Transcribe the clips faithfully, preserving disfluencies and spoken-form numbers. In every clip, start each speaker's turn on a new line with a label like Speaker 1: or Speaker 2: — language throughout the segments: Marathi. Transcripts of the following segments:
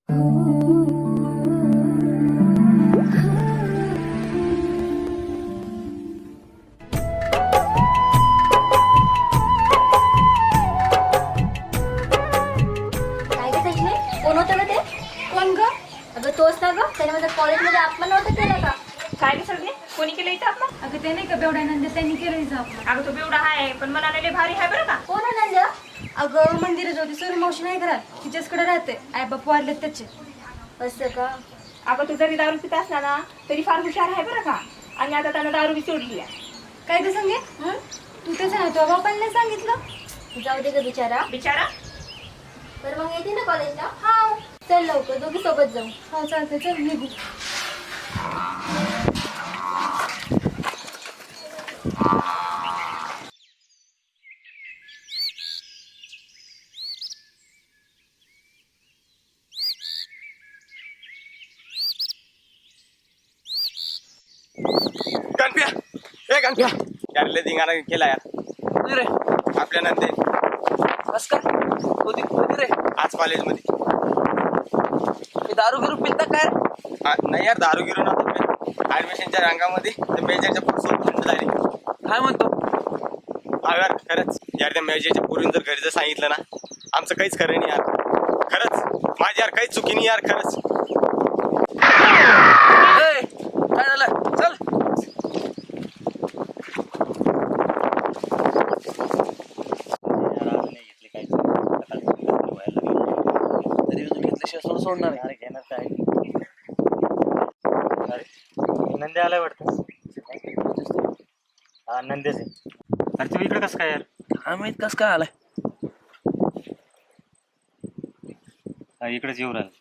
Speaker 1: तोच ना ग, त्याने माझ्या कॉलेजमध्ये अपमान नव्हतं केलं का?
Speaker 2: काय रे सगळे कोणी केलं इथं अपमान?
Speaker 3: अगं ते नाही का बेवड्यानंद त्यांनी केलं हिचं अपमान.
Speaker 2: अगं तो बेवडा आहे पण मला लय भारी आहे बरं का.
Speaker 1: कोण आनंद?
Speaker 3: अगं मंदिर ज्योती सर मावशी नाही घरात तिच्याचकडे राहते. आई बाप वाढलेत त्याचे.
Speaker 1: असं का?
Speaker 2: अगं तू जरी दारू पित असला ना तरी फार हुशार आहे बरं का. आणि आता त्यानं दारू बी सोडली आहे.
Speaker 3: काय ते सांगे तू तेच ना तुझ्या बापांनी नाही सांगितलं.
Speaker 1: जाऊ दे ग बिचारा.
Speaker 2: बिचारा
Speaker 1: तर मग येते ना कॉलेजला? हा. चल लवकर दोघी सोबत जाऊ.
Speaker 3: हा चालते चल निघू.
Speaker 4: गणप्या ए गणप्या यार लय धिंगाणा केला यार
Speaker 5: रे
Speaker 4: आपल्या नंदे
Speaker 5: कस काय होती होती रे
Speaker 4: आज कॉलेजमध्ये.
Speaker 5: मी दारू गिरू पिता काय
Speaker 4: हा, नाही यार दारू गिरू नव्हतं ऍडमिशनच्या रंगामध्ये ते मेजरच्या पुरुषोबत थंड झाली.
Speaker 5: काय म्हणतो
Speaker 4: हा यार खरंच यार त्या मेजरच्या पुरून जर घरी जर सांगितलं ना आमचं काहीच खरं नाही यार. खरंच माझी यार काहीच चुकी नाही यार खरंच.
Speaker 5: ए, काय झालं चल तरी तू घेतल्याशिवाय सोड सोडणार आहे.
Speaker 6: घेणार काय अरे नंदी आलाय वाटतं. हा नंदेच आहे. अरे तू इकडे कसं काय यार?
Speaker 5: हा माहित कस काय आलाय.
Speaker 6: हा इकडेच येऊ राहिला.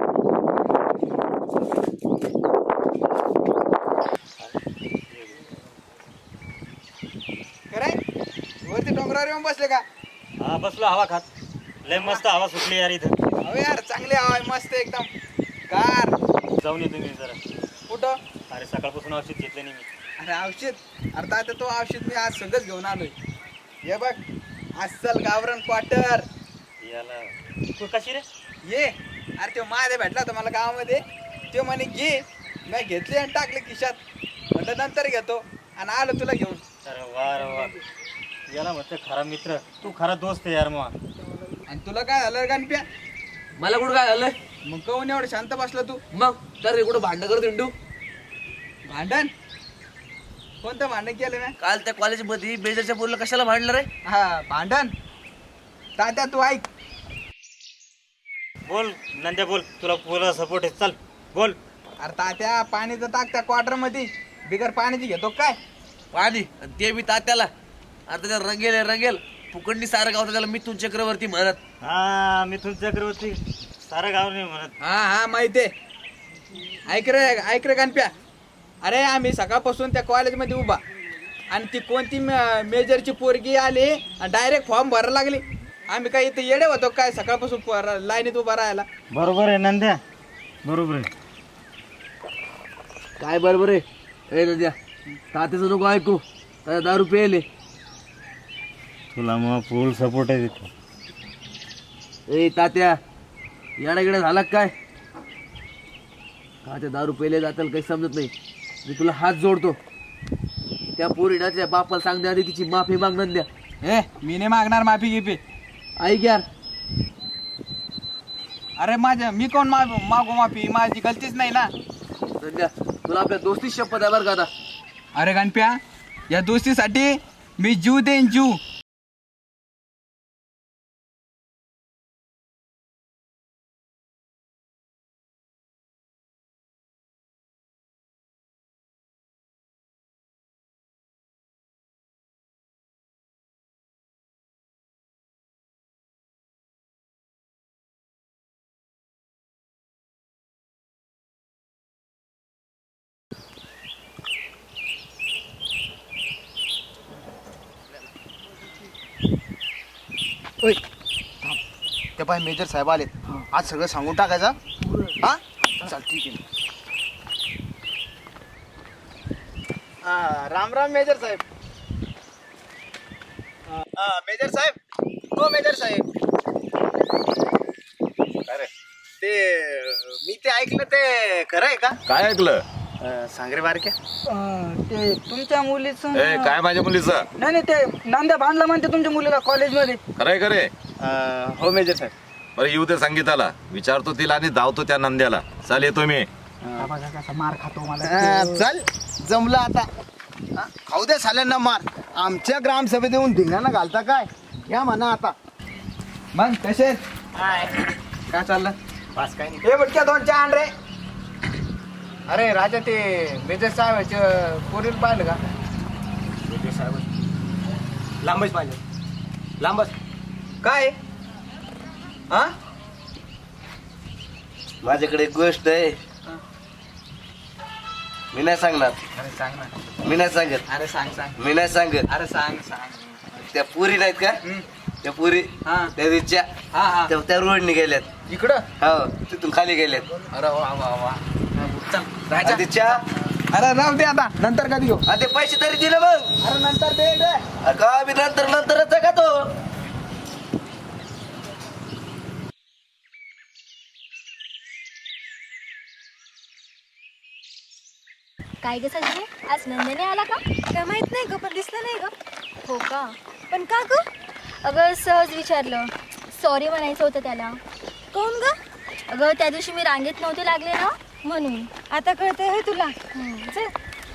Speaker 7: वरती डोंगरावर येऊन बसले का?
Speaker 6: हा बसलो हवा खात. लय मस्त हवा सुटली यार इथं.
Speaker 7: अहो यार चांगले हवा आहे, मस्त एकदम गार.
Speaker 6: जाऊन येतो मी जरा.
Speaker 7: कुठं?
Speaker 6: अरे सकाळपासून औषध घेतलं नाही मी.
Speaker 7: अरे औषध अरे आता तो औषध मी आज सगळंच घेऊन आलोय. ये बघ अस्सल गावरण क्वार्टर.
Speaker 6: याला तू कशी रे?
Speaker 7: ये अरे तो माझ्या भेटला होता मला गावामध्ये. तो म्हणे घे. मी घेतले आणि टाकले खिशात. म्हटलं नंतर घेतो आणि आलो तुला घेऊन.
Speaker 6: अरे वा रे वा. याला म्हणते खरा मित्र. तू खरा दोस्त आहे यार मग.
Speaker 7: आणि तुला काय झालं गणप्या?
Speaker 5: मला कुठं काय झालंय
Speaker 7: मग कहून एवढं शांत बसला तू?
Speaker 5: मग तर रे कुठं भांडण करत हिंडू.
Speaker 7: भांडण? कोणतं भांडण केलं ना?
Speaker 5: काल त्या कॉलेजमध्ये बेजरच्या पोरीला कशाला भांडलं रे.
Speaker 7: हा भांडण. तात्या तू ऐक.
Speaker 6: बोल नंद्या बोल. तुला पुरा सपोर्ट आहे. चल बोल.
Speaker 7: अरे तात्या पाणीचं टाक त्या क्वार्टर मध्ये. बिगर पाण्याची घेतो काय?
Speaker 5: पाणी आणि ते बी तात्याला. आता त्याला रंगेल आहे, रंगेल फुकंडी सारं गावतं त्याला मिथून चक्रवर्ती म्हणत.
Speaker 6: हा मिथुन चक्रवर्ती सारं गाव नाही म्हणत.
Speaker 7: हा हा माहितीये. ऐक रे ऐक रे गणप्या. अरे आम्ही सकाळपासून त्या कॉलेजमध्ये उभा आणि ती कोणती मेजरची पोरगी आली आणि डायरेक्ट फॉर्म भरायला लागली. आम्ही काय इथे येडे होतो काय सकाळपासून लाईनीत उभा राहायला?
Speaker 6: बरोबर आहे नंद्या. बरोबर आहे.
Speaker 5: काय बरोबर आहे ए नद्या. तात्याचं नको ऐकू. त्याला दारू प्यायले.
Speaker 6: तुला मग फुल सपोर्ट आहे तिथे.
Speaker 5: ए तात्या येडागिडा झाला काय. तात्या दारू प्यायले जाताल काही समजत नाही. मी तुला हात जोडतो. त्या पोरीला त्या बापाला सांगण्या आधी तिची माफी मागणार द्या.
Speaker 7: ए मी नाही मागणार माफी गिफी.
Speaker 5: ऐक यार.
Speaker 7: अरे माझ्या मी कोण मा मागू माफी? माझी गलतीच नाही ना.
Speaker 5: नंद्या तुला आपल्या दोस्ती शपथ आहे बरं का आता.
Speaker 7: अरे गणप्या या दोस्तीसाठी मी जीव देईन जीव.
Speaker 8: ओय ते पाय मेजर साहेब आले. आज सगळं सांगून टाकायचं. हा चल ठीक आहे. हा राम राम मेजर साहेब. हा मेजर साहेब. हो मेजर साहेब. अरे ते मी ते ऐकलं ते खरं आहे का?
Speaker 9: काय ऐकलं?
Speaker 8: अं, सांग रे बारक्या.
Speaker 10: ते तुमच्या मुलीचं
Speaker 9: ए काय माझ्या मुलीचं?
Speaker 10: नाही नाही ते नांद्या भांडला म्हणते तुमच्या मुलीला कॉलेजमध्ये.
Speaker 9: खरंय खरे?
Speaker 8: अं, हो मेजर साहेब.
Speaker 9: बरं येऊ दे संगीताला, विचारतो तिला आणि धावतो त्या नंद्याला. चाल येतो मी.
Speaker 10: मार खातो मला.
Speaker 8: अं, चल जमलं आता. हा? खाऊ दे साल्यांना मार. आमच्या ग्रामसभेत येऊन धिंगाणा घालता काय? या म्हणा आता.
Speaker 7: मग कसे आहेत? काय चाललं?
Speaker 8: पास काय नाही.
Speaker 7: हे बटक्या दोन चहा आण रे.
Speaker 8: अरे राजा ते मेजर साहेबांच्या पोरीला पाहिलं का?
Speaker 4: मेजर साहेब लांबच पाहिजे, लांबच.
Speaker 7: काय हा?
Speaker 5: माझ्याकडे एक गोष्ट आहे, मी नाही सांगणार.
Speaker 7: अरे सांग ना.
Speaker 5: मी नाही सांगत.
Speaker 7: अरे सांग सांग.
Speaker 5: मी नाही सांगत.
Speaker 7: अरे सांग सांग.
Speaker 5: त्या पुरी नाहीत का? त्या पुरी
Speaker 7: हा
Speaker 5: त्या रिच्या
Speaker 7: हा हा
Speaker 5: त्या त्या रोडने गेल्यात
Speaker 7: इकडं.
Speaker 5: हो, तिथून खाली गेल्यात.
Speaker 7: अरे वा वा वा. चल राजा.
Speaker 5: आणि ते चहा
Speaker 7: अरे राहू दे आता, नंतर कधी घेऊ.
Speaker 5: आणि ते पैसे तरी दिले मग.
Speaker 7: अरे नंतर दे दे.
Speaker 5: अरे का मी नंतर नंतरच आहे का तो?
Speaker 1: काय ग सजनी, आज नंदने आला का?
Speaker 3: काय माहित नाही ग, पण दिसलं नाही ग.
Speaker 1: हो का?
Speaker 3: पण का ग?
Speaker 1: अगं सहज विचारलं. सॉरी म्हणायचं होतं त्याला.
Speaker 3: कोण ग?
Speaker 1: अगं त्या दिवशी मी रांगेत नव्हते लागले ना, म्हणून.
Speaker 3: आता कळतंय होय तुला?
Speaker 1: हम्म.
Speaker 3: चल.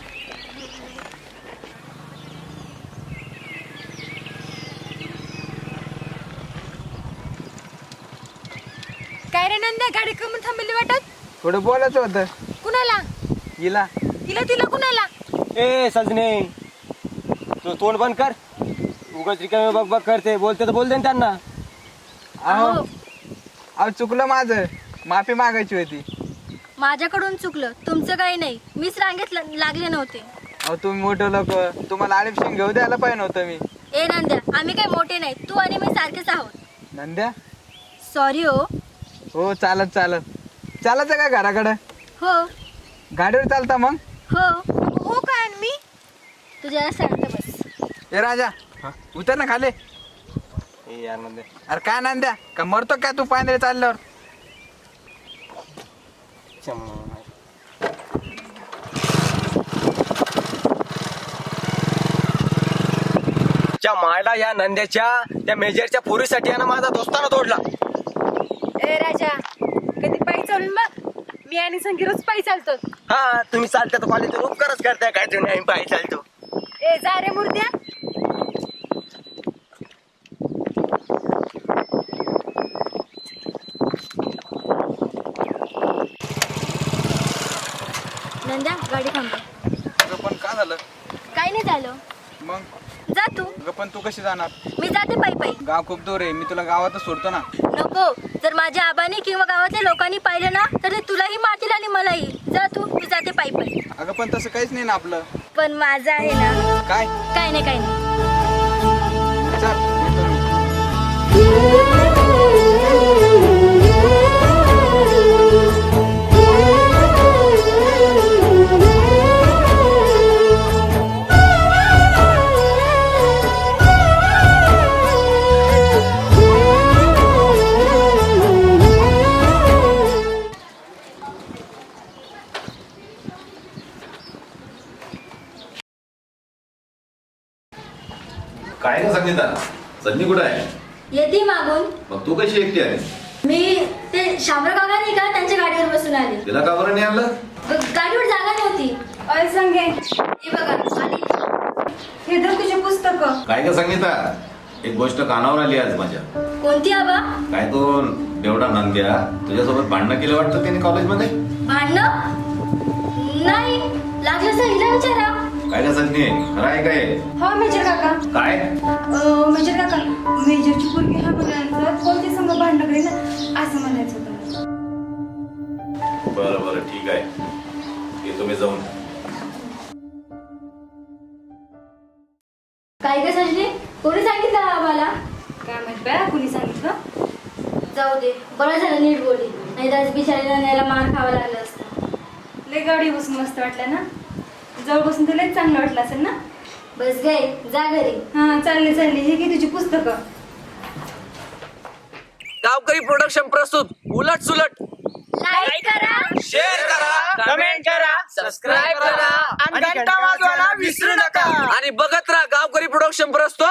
Speaker 3: काय रे नंद्या, गाडी कमी थांबली वाटत?
Speaker 7: थोडं बोलायचं होतं
Speaker 3: कुणाला?
Speaker 7: हिला.
Speaker 3: तिला तिला कुणाला?
Speaker 4: ए सजने, तू तोंड बंद कर. उगाच रिकामे बघ बघ करते. बोलते तर बोल दे ना त्यांना.
Speaker 7: अहो अहो चुकलं माझं, माफी मागायची होती.
Speaker 1: माझ्याकडून चुकलं, तुमचं काही नाही. मीच रांगेत ल- लागले नव्हते.
Speaker 7: अहो तुम्ही मोठं लोक, तुम्हाला आलिपशिंग घेऊ द्यायला पाहिजे नव्हतं मी.
Speaker 1: ए नंद्या, आम्ही काही मोठे नाही. तू आणि मी सारखेच आहोत.
Speaker 7: नंद्या.
Speaker 1: सॉरी हो.
Speaker 7: हो चालत चालत. चालायचं का घराकडं?
Speaker 1: हो
Speaker 7: गाडीवर चालता मग?
Speaker 1: हो.
Speaker 3: हो काय आणि मी?
Speaker 1: तुझ्या शांत बस.
Speaker 7: ए राजा उतर ना खाली.
Speaker 4: ए यार नंदे,
Speaker 7: अरे काय नांद्या, का मरतो काय तू पायंदळे चालल्यावर?
Speaker 4: च्या मायला या नंद्याच्या त्या मेजरच्या पोरीसाठी आहे ना माझा दोस्ताना तोडला.
Speaker 3: ए राजा, कधी पायी चालून बघ. मी आणि संगी रोज पायी चालतो.
Speaker 4: हा तुम्ही चालता तर कॉलेज उपकारच करताय काय? तुम्ही आम्ही पायी चालतो.
Speaker 3: ए जा रे मुर्द्या.
Speaker 1: नंद्या, गाडी थांबव.
Speaker 7: अगं पण का झालं?
Speaker 1: काही नाही झालं.
Speaker 7: मग
Speaker 1: जा तू.
Speaker 7: अगं पण तू कशी जाणार?
Speaker 1: मी जाते पायी पायी.
Speaker 7: गाव खूप दूर आहे, मी तुला गावातच सोडतो ना.
Speaker 1: नको. जर माझ्या आबाने किंवा गावातल्या लोकांनी पाहिलं ना, तर ते तुलाही मारतील आणि मलाही. जा तू. मी जाते पायी पायी.
Speaker 7: अगं पण तसं काहीच नाही ना आपलं.
Speaker 1: पण माझं आहे ना.
Speaker 7: काय?
Speaker 1: काय नाही काय नाही.
Speaker 7: चल येतो मी.
Speaker 9: काय का संगीता? संधी कुठं आहे?
Speaker 1: येते मागून.
Speaker 9: मग तू कशी एकटी आहे?
Speaker 1: मी ते शामराव काका नाही का, त्यांच्या गाडीवर बसून आले.
Speaker 9: तिला का बरं नाही आणलं?
Speaker 1: ग- गाडीवर जागा नव्हती.
Speaker 3: अरे संगे,
Speaker 1: हे बघा आली.
Speaker 3: हे धर तुझे पुस्तक.
Speaker 9: काय का संगीता, एक गोष्ट कानावर आली आज माझ्या.
Speaker 1: कोणती आबा?
Speaker 9: काय तो बेवडा नंद्या तुझ्यासोबत भांडणं केलं वाटतं त्याने कॉलेजमध्ये?
Speaker 1: भांडणं नाही लागलं, सांगितलं विचारा.
Speaker 9: काय का संधी, खरं आहे काय?
Speaker 3: हा मेजर काका.
Speaker 9: काय?
Speaker 3: अं, मेजर काका, मेजरची पोरगी हा म्हणायचं कोणती संघ भांडण करेल ना, असं म्हणायचं होतं.
Speaker 9: बरं बरं ठीक आहे, येतो मी जाऊन.
Speaker 1: काय ग सजनी, कोणी सांगितलं आम्हाला?
Speaker 3: काय माहित बाया, कुणी सांगितलं?
Speaker 1: जाऊ दे, बरं झालं नीट बोलली, नाही तर बिचारीला न्यायला मार खावा लागला असता.
Speaker 3: लय गाडी बसून मस्त वाटलं ना, जवळ बसून तुला लयच चांगलं वाटलं असेल ना.
Speaker 1: बस गे, जा घरी.
Speaker 3: हा चालली चालली, हे घे तुझी पुस्तकं.
Speaker 5: गावकरी प्रोडक्शन प्रस्तुत उलट सुलट.
Speaker 1: लाईक करा.
Speaker 5: सबस्क्राईब करा
Speaker 10: आणि घंटा वाजवायला विसरू नका.
Speaker 5: आणि बघत राहा गावकरी प्रोडक्शन प्रस्तुत